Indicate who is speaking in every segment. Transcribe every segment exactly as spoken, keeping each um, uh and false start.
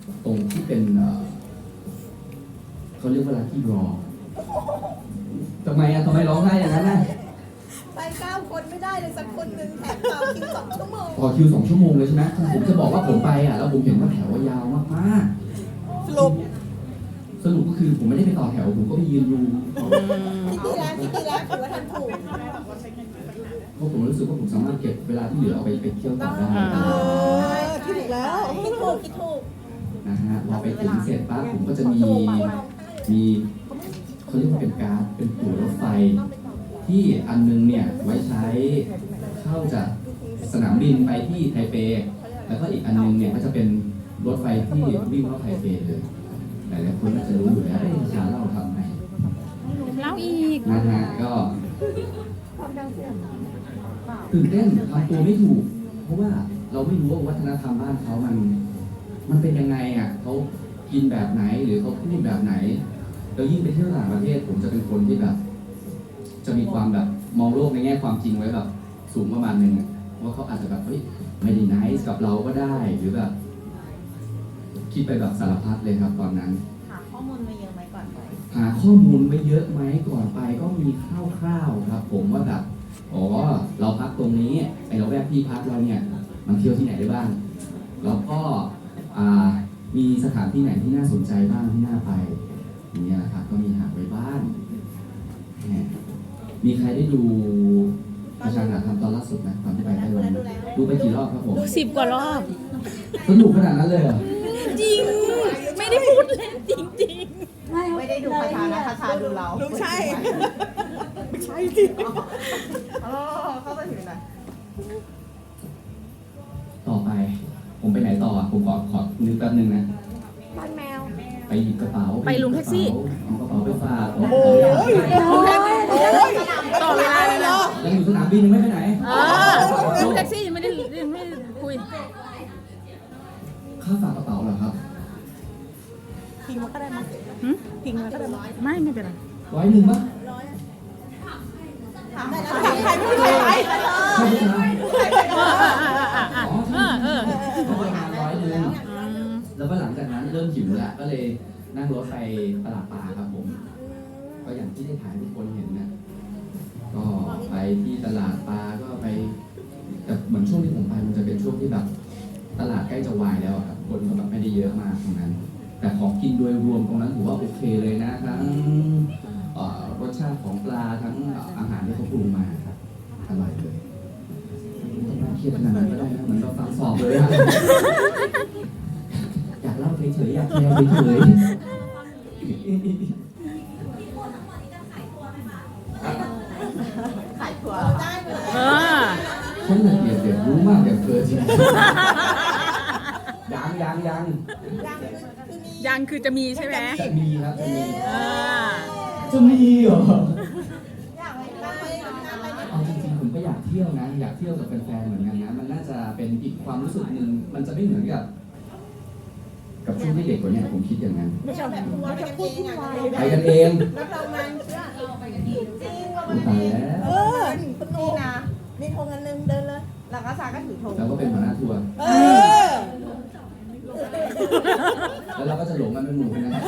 Speaker 1: ตรงที่เป็นเอ่อเขาเรียกว่าลัคกี้ดรอทำไมอะทำไมร้องไห้อย่างนั้นน่ะ
Speaker 2: ไปเก้าคนไม่ได้เลยสักคนหนึ่งแถมต่อคิวสองชั่วโมง
Speaker 1: ต่อคิวสองชั่วโมงเลยใช่ไหมผมจะบอกว่าผมไปอ่ะแล้วผมเห็นว่าแถวยาวมาก
Speaker 2: สรุป
Speaker 1: ๆสรุปก็คือผมไม่ได้ไปต่อแถวผมก็ไปยืนดู
Speaker 2: คิดดีแล้วคิดดีแล้วถือว่าทำถูก
Speaker 1: เพราะผมรู้สึกว่าผมสามารถเก็บเวลาที่เหลือเอาไปไปเที่ยวต่อได้
Speaker 2: คิดถูกแล้วคิดถูกคิดถูก
Speaker 1: นะฮะพอไปถึงเสร็จปั๊บผมก็จะมีมีเขาเรียกว่าเป็นการ์ดเป็นตั๋วรถไฟที่อันนึงเนี่ยไว้ใช้เข้าจากสนามบินไปที่ไทเปแล้วก็อีกอันนึงเนี่ยก็จะเป็นรถไฟที่วิ่งเข้าไทเปเลยหลายๆคนน่าจะรู้อยู่แล้วไอ้ชาเล่าทำไง
Speaker 3: เล่าอีก
Speaker 1: นะฮะก็ตื่นเต้นทำตัวไม่ถูกเพราะว่าเราไม่รู้ว่าวัฒนธรรมบ้านเขามันมันเป็นยังไงอ่ะเขากินแบบไหนหรือเขาพูดแบบไหนแล้วยิ่งไปเที่ยวต่างประเทศผมจะเป็นคนที่แบบจะมีความแบบมองโลกในแง่ความจริงไว้แบบสูงประมาณนึงว่าเขาอาจจะแบบเฮ้ยไม่ได้ไนซ์กับเราก็ได้หรือแบบคิดไปแบบสารพัดเลยครับตอนนั้น
Speaker 2: หาข้อมูลมาเยอะไหมก่อนไป
Speaker 1: หาข้อมูลไว้เยอะไหมก่อนไปก็มีคร่าวๆครับผมว่าแบบอ๋อเราพักตรงนี้ไอ้เราแวกที่พักเราเนี่ยมันเที่ยวที่ไหนได้บ้างแล้วก็มีสถานที่ไหนที่น่าสนใจบ้างที่น่าไปอย่างเงี้ยครับก็มีหาไว้บ้างมีใครได้ดูประชาชนทำตอนล่าสุดไหมตอนที่ไปไต้หวันดูไปกี่รอบครับผม
Speaker 3: ดูสิบกว่ารอบ
Speaker 1: สนุกขนาดนั้นเลยเหรอ
Speaker 3: จริงไม่ได้พูดเล่นจริงจริง
Speaker 2: ไม่ได้ดูประชานะประชาดูเราไม่ใช่ไม่ใช่จริงอ๋อเข้าไปถึงไหน
Speaker 1: ต่อไปผมไปไหนต่อผมขอขอนึกแป๊บนึงนะ
Speaker 2: บ้านแมว
Speaker 1: ไปหยิบกระเป๋า
Speaker 3: ไปลุงแท็กซี่
Speaker 1: เอากระเป๋าไปฝาก
Speaker 2: โอ้ย
Speaker 3: ต่อเวลาเลยนะ
Speaker 1: ยังอยู่สนามบินยังไม่ไปไหน
Speaker 3: ลุงแท็กซี่ยังไม่ได้ยังไม่คุย
Speaker 1: ค่าฝากกระเป๋าเหรอครับ
Speaker 2: ทิ้งมาก็ได้มั้ยทิ้งมาก็ได้มั้ย
Speaker 3: ไม่ไม่เป็นไร
Speaker 1: ร้อยหนึ่งมั้ย
Speaker 2: ถามใครไม่ใช่ใคร
Speaker 1: ใช่ไหม
Speaker 3: เออเออ
Speaker 1: เขาประมาณร้อยหนึ่งแล้วก็หลังจากนั้นเริ่มหิวแล้วก็เลยนั่งรถไปตลาดปลาครับผมก็อย่างที่ได้ถ่ายทุกคนเห็นนะก็ไปที่ตลาดปลาก็ไปแต่เหมือนช่วงที่ผมไปมันจะเป็นช่วงที่แบบตลาดใกล้จะวายแล้วครับคนก็แบบไม่ได้เยอะมากตรงนั้นแต่ของกินโดยรวมตรงนั้นถือว่าโอเคเลยนะทั้งรสชาติของปลาทั้งอาหารที่เขาปรุงมาครับอร่อยเลยไม่ต้องเครียดขนาดนั้นก็ได้นะเหมือนเราฟังสอบเลยอะอยากเล่าเฉยๆอยากแชร์เฉยๆ
Speaker 2: ขายถั่วได้เลย
Speaker 1: ฉันละเอียดเดี๋ยวรู้มากเดี๋ยวเกินจริงยังยังยัง
Speaker 3: ยังคือจะมีใช่ไหม
Speaker 1: จะมีครับจะมี
Speaker 3: จะ
Speaker 1: มีเหรอเอาจริงๆผมก็อยากเที่ยวนะอยากเที่ยวกับแฟนๆเหมือนกันนะมันน่าจะเป็นอีกความรู้สึกหนึ่งมันจะไม่เหมือนกับกับช่วงที่เด็กกว่านี้ผมคิดอย่างนั้น
Speaker 2: ไม่ใช่แบบว่าไปกันเอง
Speaker 1: ไปกันเอง
Speaker 2: แล้วเรามันเชื่อเราไปกันเองจริงว่า
Speaker 1: มันตายแล้ว
Speaker 2: เออคุณนี่นะมีธงอันนึงเดินเลยแล้วก็ซาก็ถือธง
Speaker 1: แล้วก็เป็นหัวหน้าทัวร์
Speaker 2: เออ
Speaker 1: แล้วเราก็จะหลงกันเป็นหมู่กันนะ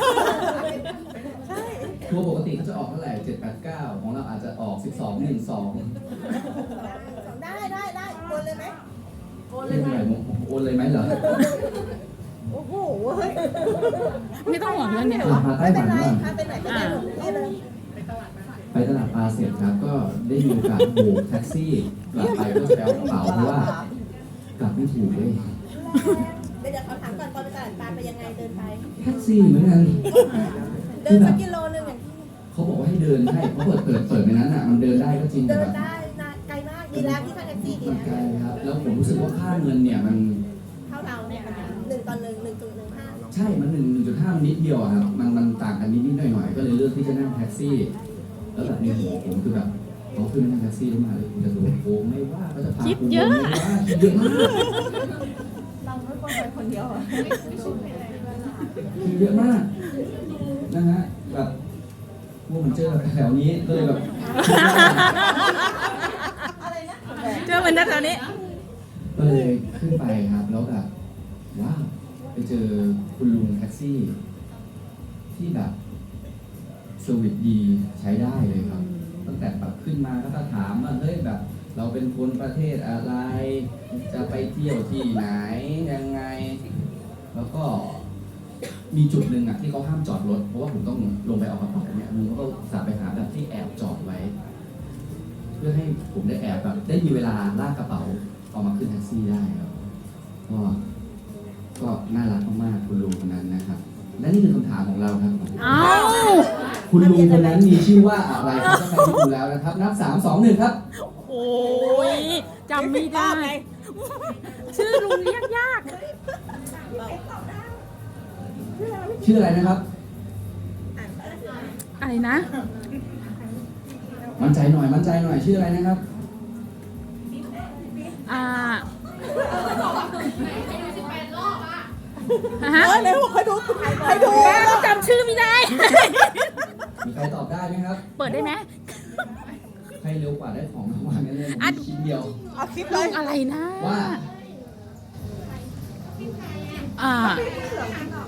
Speaker 1: ทัวร์ปกติเขาจะออกเท่าไหร่เจ็ดแปดเก้าของเราอาจจะออกสิบสองหนึ่งสอง
Speaker 2: ได้ได้ได้โอนเลยไหม
Speaker 1: โอนเลยไหมโอนเลยไหมเหรอ
Speaker 2: โอ้โห
Speaker 3: ไม่ต้องห่วงเรื่องนี้หร
Speaker 1: อมาไต้หวันบ้าง
Speaker 2: ไปไหนก็ได้เลย
Speaker 1: ไปตลาดปลาเสร็จครับก็ได้มีโอกาสโบกแท็กซี่กลับไปก็แปลกระเป๋าเพราะว่ากลับไม่ถูกเลย
Speaker 2: เดี๋ยวเขาถามก่อนตอนไปตลาดปลาไปยังไงเดินไป
Speaker 1: แท็กซี่เหมือนกัน
Speaker 2: เดินสักกิโลนึงอย่าง
Speaker 1: เขาบอกว่าให้เดินให้เขาเปิดเปิดเปิดในนั้นอ่ะมันเดินได้ก็จริง
Speaker 2: เดินได้ไกลมากดีแล้วที่ค่าแท็กซี่ดี
Speaker 1: ไกลครับแล้วผมรู้สึกว่าค่าเงินเนี่ยมัน
Speaker 2: เท่าเราเนี่ยหนึ่งต่อหนึ่งหนึ่งจุดหนึ่งห้า
Speaker 1: ใช่มันหนึ่งจุดห้ามันนิดเดียวครับมันมันต่างกันนิดนิดหน่อยหน่อยก็เลยเลือกที่จะนั่งแท็กซี่แล้วแบบในหัวผมคือแบบเขาขึ้นนั่งแท็กซี่แล้วมาเลยจะโดนโกงไม่ว่าก็จะพา
Speaker 3: คิดเยอะ
Speaker 1: คิดเยอะมาก
Speaker 2: เราไม่ควรไปคนเดียว
Speaker 1: คิดเยอะมากนะฮะแบบพวกมันเจอแถวนี้ก็เลยแบบ
Speaker 3: เจอเหมือนแถวนี้
Speaker 1: ก็เลยขึ้นไปครับแล้วแบบว้าวไปเจอคุณลุงแท็กซี่ ที่แบบเซอร์วิสดีใช้ได้เลยครับ ตั้งแต่แบบขึ้นมาแล้วก็ถามว่าเฮ้ยแบบ เราเป็นคนประเทศอะไร จะไปเที่ยวที่ไหนยังไง แล้วก็มีจุดหนึ่งอ่ะที่เขาห้ามจอดรถเพราะว่าผมต้องลงไปเอากระเป๋าเนี่ยลุงก็สาไปหาแบบที่แอบจอดไว้ เพื่อให้ผมได้แอบแบบได้มีเวลาลากกระเป๋าออกมาขึ้นแท็กซี่ได้ครับก็ก็น่ารักมากๆคุณลุงคนนั้นนะครับ และนี่คือคำถามของเราครับ
Speaker 3: อ้าว
Speaker 1: คุณลุงคนนั้นมีชื่อว่าอะไรครับถ้าใครที่ดูแล้วนะครับ นับสามสองหนึ่งครับ
Speaker 3: โอ้ยจำไม่ได้ ชื่อลุงเรียกยาก
Speaker 1: ชื่ออะไรนะครับ
Speaker 3: อะไรนะ
Speaker 1: มั่นใจหน่อยมั่นใจหน่อยชื่ออะไรนะครับ
Speaker 3: อ่า
Speaker 2: เอ
Speaker 3: ฮะ
Speaker 2: อในหัวใครดูใครดู
Speaker 3: แม่ก็จำชื่อไม่ได้
Speaker 1: มีใครตอบได้ไหมครับ
Speaker 3: เปิดได้ไหม
Speaker 1: ใครเร็วกว่าได้ของรางวัลกันเลย
Speaker 3: อัด
Speaker 1: ชิ้นเดียว
Speaker 2: เอาคลิปเล
Speaker 3: ลุ
Speaker 2: ย
Speaker 3: งอะไรนะ
Speaker 1: ว่า
Speaker 3: อ่า